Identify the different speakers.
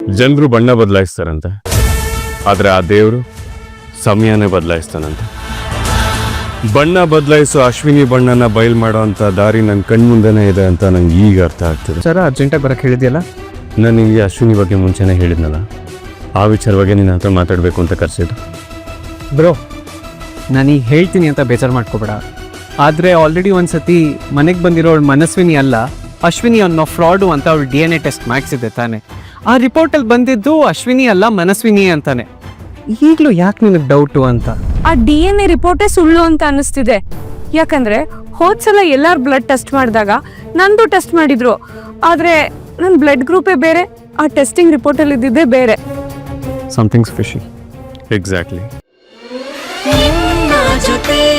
Speaker 1: ಜನರು ಬಣ್ಣ ಬದಲಾಯಿಸ್ತಾರಂತೆ, ಆದರೆ ಆ ದೇವರು ಸಮಯನೇ ಬದಲಾಯಿಸ್ತಾನಂತೆ. ಬಣ್ಣ ಬದಲಾಯಿಸೋ ಅಶ್ವಿನಿ ಬಣ್ಣನ ಬಯಲು ಮಾಡೋ ಅಂತ ದಾರಿ ನನ್ನ ಕಣ್ಮುಂದೆನೇ ಇದೆ ಅಂತ ನಂಗೆ ಈಗ ಅರ್ಥ ಆಗ್ತದೆ.
Speaker 2: ಸರ ಅರ್ಜೆಂಟಾಗಿ ಬರೋಕ್ಕೆ ಹೇಳಿದೆಯಲ್ಲ?
Speaker 1: ನನಗೆ ಅಶ್ವಿನಿ ಬಗ್ಗೆ ಮುಂಚೆನೇ ಹೇಳಿದ್ನಲ್ಲ, ಆ ವಿಚಾರವಾಗಿ ನಿನ್ನ ಹತ್ರ ಮಾತಾಡಬೇಕು ಅಂತ ಕರೆಸಿದ್ದು.
Speaker 2: ಬ್ರೋ, ನಾನೀಗ ಹೇಳ್ತೀನಿ ಅಂತ ಬೇಜಾರು ಮಾಡ್ಕೋಬೇಡ. ಆದರೆ ಆಲ್ರೆಡಿ ಒಂದು ಸತಿ ಮನೆಗೆ ಬಂದಿರೋಳು ಮನಸ್ವಿನಿ ಅಲ್ಲ ಅಶ್ವಿನಿ ಅನ್ನೋ ಫ್ರಾಡು ಅಂತ ಅವಳು DNA ಟೆಸ್ಟ್ ಮಾಡಿಸಿದೆ ತಾನೆ. ಆ ರಿಪೋರ್ಟಲ್ಲಿ ಬಂದಿದ್ದು ಅಶ್ವಿನಿ ಅಲ್ಲ ಮನಸ್ವಿನಿ ಅಂತಾನೆ. ಈಗಲೂ ಯಾಕೆ ನಿನಗೆ ಡೌಟು ಅಂತ?
Speaker 3: ಆ DNA ರಿಪೋರ್ಟೇ ಸುಳ್ಳು ಅಂತ ಅನ್ನಿಸ್ತಿದೆ. ಯಾಕಂದ್ರೆ ಹೋದ್ಸಲ ಎಲ್ಲಾರು ಬ್ಲಡ್ ಟೆಸ್ಟ್ ಮಾಡಿದಾಗ ನಂದು ಟೆಸ್ಟ್ ಮಾಡಿದ್ರು, ಆದ್ರೆ ನನ್ನ ಬ್ಲಡ್ ಗ್ರೂಪೇ ಬೇರೆ, ಆ ಟೆಸ್ಟಿಂಗ್ ರಿಪೋರ್ಟಲ್ಲಿ ಇದ್ದಿದ್ದೇ ಬೇರೆ.
Speaker 2: Something's fishy.
Speaker 1: ಎಕ್ಸಾಕ್ಟ್ಲಿ.
Speaker 4: ಜೊತೆ